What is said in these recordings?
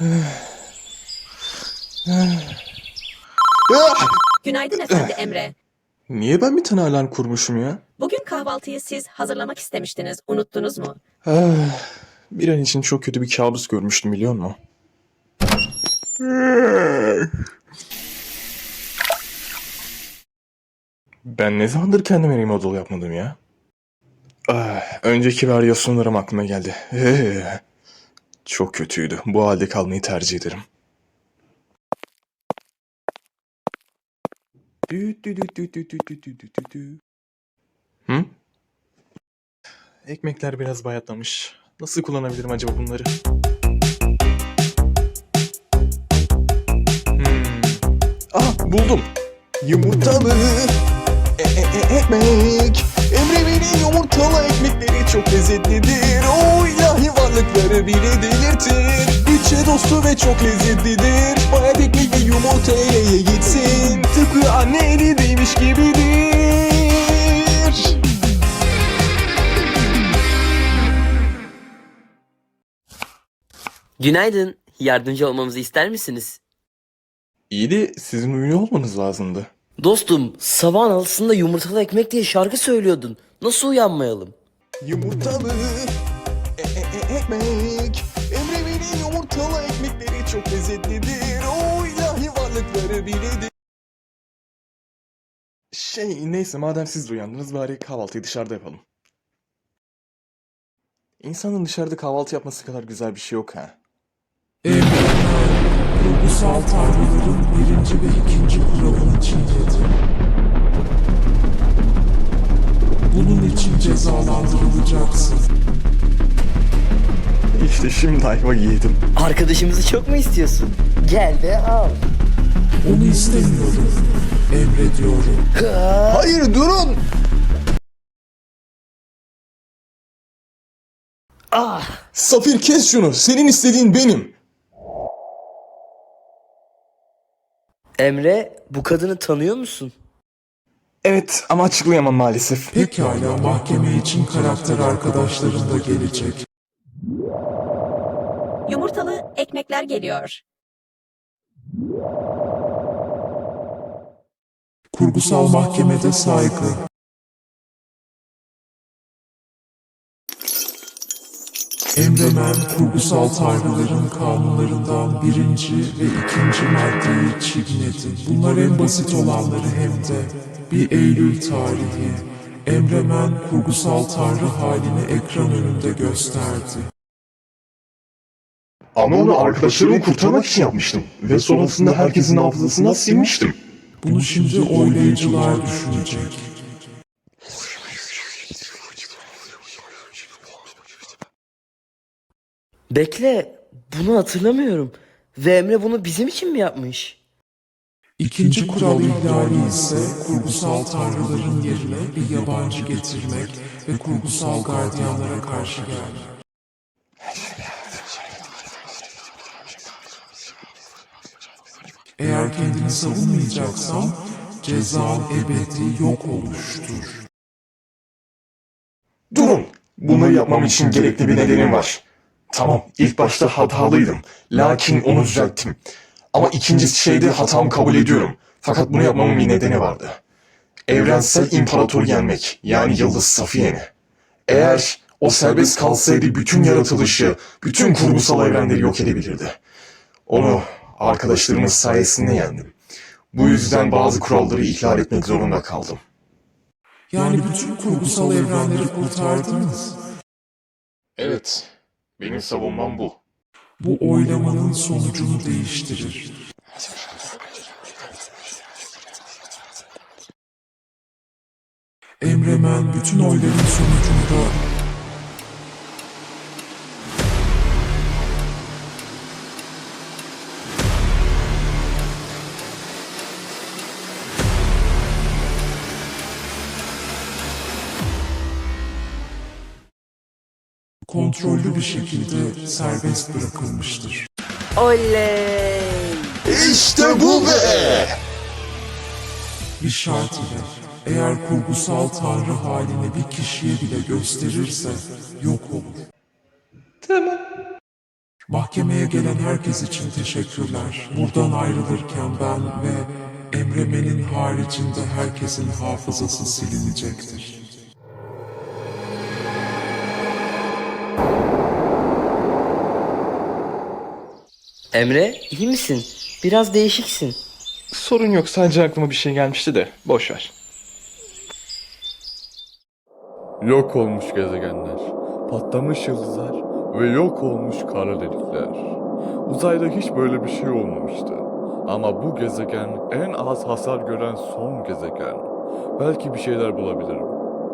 Günaydın efendi Emre. Niye ben bir tane alarm kurmuşum ya? Bugün kahvaltıyı siz hazırlamak istemiştiniz. Unuttunuz mu? Bir an için çok kötü bir kabus görmüştüm, biliyor musun? Ben ne zamandır kendime remodel yapmadım ya? Önceki varyasyonlarım aklıma geldi. Çok kötüydü. Bu halde kalmayı tercih ederim. Hı? Ekmekler biraz bayatlamış. Nasıl kullanabilirim acaba bunları? Buldum. Yumurtalı ekmek. Emre'nin yumurtalı ekmekleri çok lezzetlidir. O ilahi varlıkları bile delirtir. Bütçe dostu ve çok lezzetlidir. Bayat ekmek ve yumurta ele gitsin. Tıpkı anne eli değmiş gibidir. Günaydın. Yardımcı olmamızı ister misiniz? İyi de sizin ünlü olmanız lazımdı. Dostum, sabahın altısında yumurtalı ekmek diye şarkı söylüyordun. Nasıl uyanmayalım? Yumurtalı ekmek. Emre'nin yumurtalı ekmekleri çok lezzetlidir. O ilahi varlıkları bile de... Neyse, madem siz de uyandınız, bari kahvaltıyı dışarıda yapalım. İnsanın dışarıda kahvaltı yapması kadar güzel bir şey yok ha. Kurgusal tanrıların birinci ve ikinci kuralını çiğnedi. Bunun için cezalandırılacaksın. İşte şimdi ayva yedim. Arkadaşımızı çok mu istiyorsun? Gel de al. Onu istemiyorum. Emrediyorum. Hayır, durun! Safir, kes şunu. Senin istediğin benim. Emre, bu kadını tanıyor musun? Evet, ama açıklayamam maalesef. Pekala, mahkeme için karakter arkadaşların da gelecek. Yumurtalı ekmekler geliyor. Kurgusal mahkemede saygı. Emremen, kurgusal tanrıların kanunlarından birinci ve ikinci maddeyi çiğnedi. Bunlar en basit olanları hem de. 1 Eylül tarihi. Emremen, kurgusal tanrı halini ekran önünde gösterdi. Ama onu arkadaşlarımı kurtarmak için yapmıştım. Ve sonrasında herkesin hafızasından silmiştim. Bunu şimdi oylayıcılar düşünecek. Bekle, bunu hatırlamıyorum. Ve Emre bunu bizim için mi yapmış? İkinci kural ihlali ise kurgusal tanrıların yerine bir yabancı getirmek ve kurgusal gardiyanlara karşı gelmek. Eğer kendini savunmayacaksan cezan ebedi yok oluştur. Durun! Bunu yapmam için gerekli bir nedenim var. Tamam, ilk başta hatalıydım. Lakin onu düzelttim. Ama ikinci şeyde hatamı kabul ediyorum. Fakat bunu yapmamın bir nedeni vardı. Evrensel imparatoru yenmek, yani Yıldız Safiye'ni. Eğer o serbest kalsaydı bütün yaratılışı, bütün kurgusal evrenleri yok edebilirdi. Onu arkadaşlarımız sayesinde yendim. Bu yüzden bazı kuralları ihlal etmek zorunda kaldım. Yani bütün kurgusal evrenleri kurtardınız. Evet, benim savunmam bu. Bu oylamanın sonucunu değiştirir. Emremen bütün oyların sonucunda kontrollü bir şekilde serbest bırakılmıştır. Oley! İşte bu be! Bir şart ile eğer kurgusal tanrı halini bir kişiye bile gösterirse yok olur. Tamam. Mahkemeye gelen herkes için teşekkürler. Buradan ayrılırken ben ve Emremen'in haricinde herkesin hafızası silinecektir. Emre, iyi misin? Biraz değişiksin. Sorun yok, sadece aklıma bir şey gelmişti de boş ver. Yok olmuş gezegenler, patlamış yıldızlar ve yok olmuş kara delikler. Uzayda hiç böyle bir şey olmamıştı. Ama bu gezegen en az hasar gören son gezegen. Belki bir şeyler bulabilirim.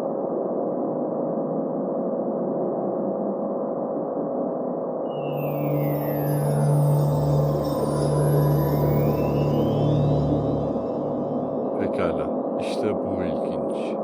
Pekala, işte bu ilginç.